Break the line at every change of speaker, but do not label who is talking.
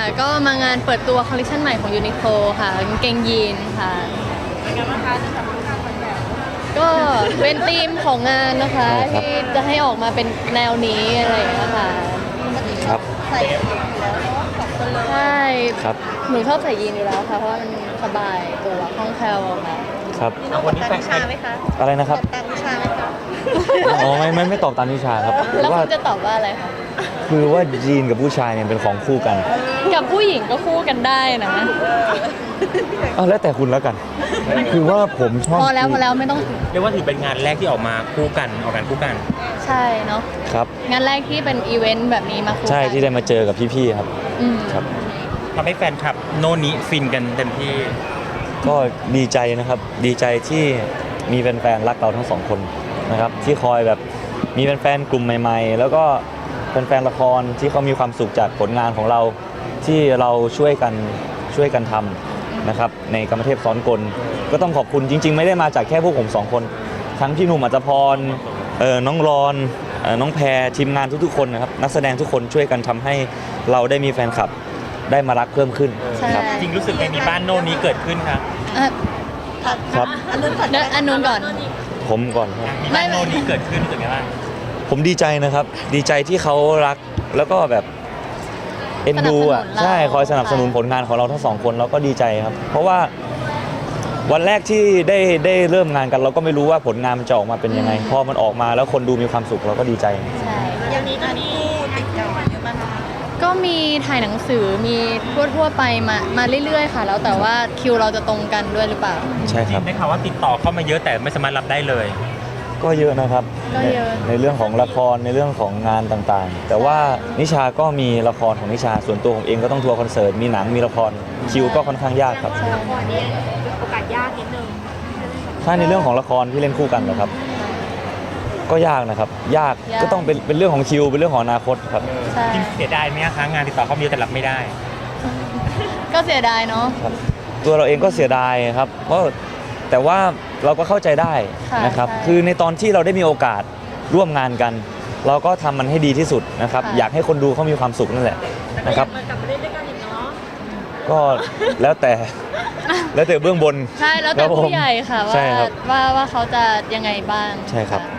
ก็มางานเปิดตัวคอลเลคชันใหม่ของยูนิโคลค่ะกางเกงยีนค่ะเป็นไงบ้างคะจะทำงานแบบก็เป็นธีมของงานนะคะที่จะให้ออกมาเป็นแนวนี้อะไรอย่างเงี้ยค่ะ
ครับ
ใส่ยีนอยู่แล้วสองคนเลยใช่
ครับ
หนูชอบใส่ยีนอยู่แล้วค่ะเพราะว่ามันสบายตัวคล่องแคล่วค่ะ
ครับ
วันนี้แต่งวิชาไหมคะ
อะไรนะครับ
แต่งวิชาไหมคะ
อ๋อไม่ตอบตามนิชาครับ
แล้ว
ว่า
คุณจะตอบว่าอะไรคะ
คือว่ายีนกับผู้ชายเนี่ยเป็นของคู่กัน
กับผู้หญิงก็คู่กันได้นะ
แล้วแต่คุณแล้วกัน คือว่าผมชอบ
พอแล้วไม่ต้อง
เรียกว่าถือเป็นงานแรกที่ออกมาคู่กันออกกันคู่กัน
ใช่เนาะ
ครับ
งานแรกที่เป็นอีเวนต์แบบนี้มาคู่กัน
ใช่ที่ได้มาเจอกับพี่ๆครับ
อืม
ครับ
ทำให้แฟนคลับโน่นนี้ฟินกันเต็มที่
ก็ดีใจนะครับดีใจที่มีแฟนๆรักเราทั้งสองคนนะครับที่คอยแบบมีแฟนๆกลุ่มใหม่ๆ แล้วก็แฟนๆละครที่เขามีความสุขจากผลงานของเราที่เราช่วยกันทำนะครับในกรรมเทพซ้อนกลก็ต้องขอบคุณจริง ๆ ไม่ได้มาจากแค่พวกผมสองคน ทั้งพี่หนุ่มอัจพรน้องรอนน้องแพรทีมงานทุกๆคนนะครับนักแสดงทุกคนช่วยกันทำให้เราได้มีแฟนคลับได้มารักเพิ่มขึ้น
ใช่
ครับ
จริงรู้สึกไงมีบ้านโน่นนี้เกิดขึ้นครับ
อ่ะ
ครับ
อันนู้นก่อน
ผมก่อนครับ
มีบ้านโน่นนี้เกิดขึ้นรู้สึกไงบ้าง
ผมดีใจนะครับ ดีใจที่เขารักแล้วก็แบบเอ็นดูอ่ะ
สนับสนุนเรา
ใช่คอยสนับสนุนผลงานของเราทั้งสองคนเราก็ดีใจครับ เพราะว่าวันแรกที่ได้เริ่มงานกันเราก็ไม่รู้ว่าผลงานมันจะออกมาเป็นยังไงพอมันออกมาแล้วคนดูมีความสุขเราก็ดีใจ
ใช่
อย่างนี้จะมีติดกันเยอะมากนะคะ
ก็มีถ่ายหนังสือมีทั่วไปมาเรื่อยๆค่ะ แล้วแต่ว่าคิวเราจะตรงกันด้วยหรือเปล่า
ใช่ครับ
ได้ข่าวว่าติดต่อเข้ามาเยอะแต่ไม่สามารถรับได้เลย
ก็เยอะนะครับ
ก็เยอะ
ในเรื่องของละครในเรื่องของงานต่างๆ แต่ว่านิชาก็มีละครของนิชาส่วนตัวผมเองก็ต้องทัวร์คอนเสิร์ตมีหนังมีละครคิวก็ค่อนข้างยากครับ
ละครนี้โอกาสยากนิดนึง
ถ้าในเรื่องของละครที่เล่นคู่กันนะครับ ก็ยากนะครับ ยากก็ต้องเป็นเรื่องของคิวเป็นเรื่องของอนาคตครับ
ใช่
จริงเสียดายไหมคะงานติดต่อเข้ามาเยอะแต่รับไม่ได้
ก็เสียดายเนาะ
ครับตัวเราเองก็เสียดายครับเพราะแต่ว่าเราก็เข้าใจได้
ค่ะ
นะครับ
ใช่
คือในตอนที่เราได้มีโอกาสร่วมงานกัน เราก็ทำมันให้ดีที่สุดนะครับ
ค่ะ
อยากให้คนดูเขามีความสุขนั่นแหละนะครับ
มากลับมาเล่นด้วยกันอีกเนาะ
ก็แล้วแต่เบื้องบน
ใช่แล้วแต่
ครับผม
ผู้ใหญ่ค่ะ
ใช่ครับ
ว่าเขาจะยังไงบ้าง
ใช่ครับ
ะ